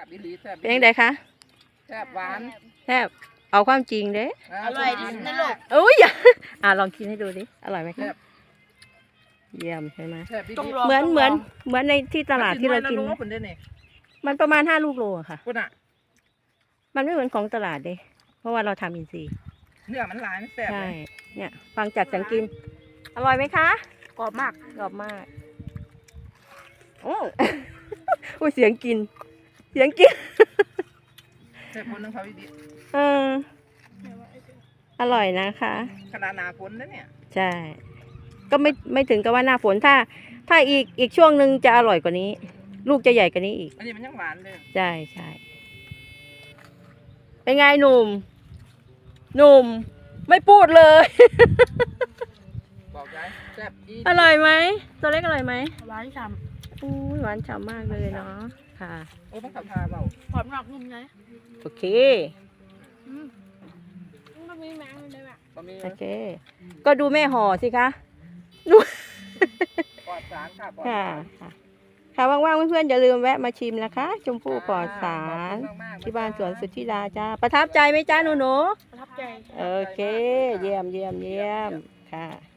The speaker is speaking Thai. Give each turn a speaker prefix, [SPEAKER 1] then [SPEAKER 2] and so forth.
[SPEAKER 1] บอีหลีแซ่บ
[SPEAKER 2] เป็นยังไงคะ
[SPEAKER 1] แซ่บหวาน
[SPEAKER 2] แทบเอาความจริงเด้
[SPEAKER 3] อร่อยที่สุดในโลก
[SPEAKER 2] อุ้ยลองกินให้ดูดิอร่อยไหมคะเยี่ยมใช่ไหม
[SPEAKER 1] แซ่บอีห
[SPEAKER 3] ต้อง
[SPEAKER 1] ลี
[SPEAKER 3] ลอง
[SPEAKER 2] เหมือนในที่ตลาดที่เรากิน
[SPEAKER 1] มัสิอยะลูกเด้นี่
[SPEAKER 2] มันประมาณ5 ลูกโลอะค่ะ
[SPEAKER 1] พุ่นน่ะ
[SPEAKER 2] มันไม่เหมือนของตลาดเด้เพราะว่าเราทำอินทรีย์
[SPEAKER 1] เนื้อมันหลายมันแซ่บ
[SPEAKER 2] ใช่
[SPEAKER 1] เลย
[SPEAKER 2] เนี่ยฟังจากเสียงกิน อร่อยไหมคะ
[SPEAKER 3] กรอบมาก
[SPEAKER 2] กรอบมากอื้อ อุ้ยเสียงกิน เสียงกิน
[SPEAKER 1] แซ่บคนนึงเขาอีหลี
[SPEAKER 2] เอออร่อยนะคะ
[SPEAKER 1] ขนาดหนาฝนนะเนี่ย
[SPEAKER 2] ใช่ ก็ไม่ถึงกับว่าหน้าฝนถ้าอีกช่วงหนึ่งจะอร่อยกว่านี้ ลูกจะใหญ่กว่านี้อีก
[SPEAKER 1] อันนี้มันยังหวานเลย
[SPEAKER 2] ใช่ใช่เป็นไงหนุ่ม หนุ่ม ไม่พูดเลย
[SPEAKER 1] บอกยายแซ่บอี
[SPEAKER 2] อร่อยไหมตัวเล็กอร่อยไหม
[SPEAKER 3] หวานฉ่
[SPEAKER 2] อู้ยหวานฉ่ำมากเลยเนาะค่ะ
[SPEAKER 1] โอ้มันขับพาเบา
[SPEAKER 3] ำกรอบนอกนุ่มใน
[SPEAKER 2] โอเค
[SPEAKER 3] มันมีแมงเลยแบบ
[SPEAKER 1] บะหมี่
[SPEAKER 2] โอเค ก็ดูแม่ห่อสิคะ
[SPEAKER 1] ปลอดสารค่ะปลอด
[SPEAKER 2] ค่ะ
[SPEAKER 1] สาร
[SPEAKER 2] ค่ะว่างๆเพื่อนๆอย่าลืมแวะมาชิมนะคะ ชมพู่ปลอดสาร
[SPEAKER 1] ขอบคุณมกๆ
[SPEAKER 2] ที่บ้านสวนสุทธิดาจ้าประทับใจไหมจ้าหนู
[SPEAKER 3] ประทับใจ
[SPEAKER 2] โอเค เยี่ยมค่ะ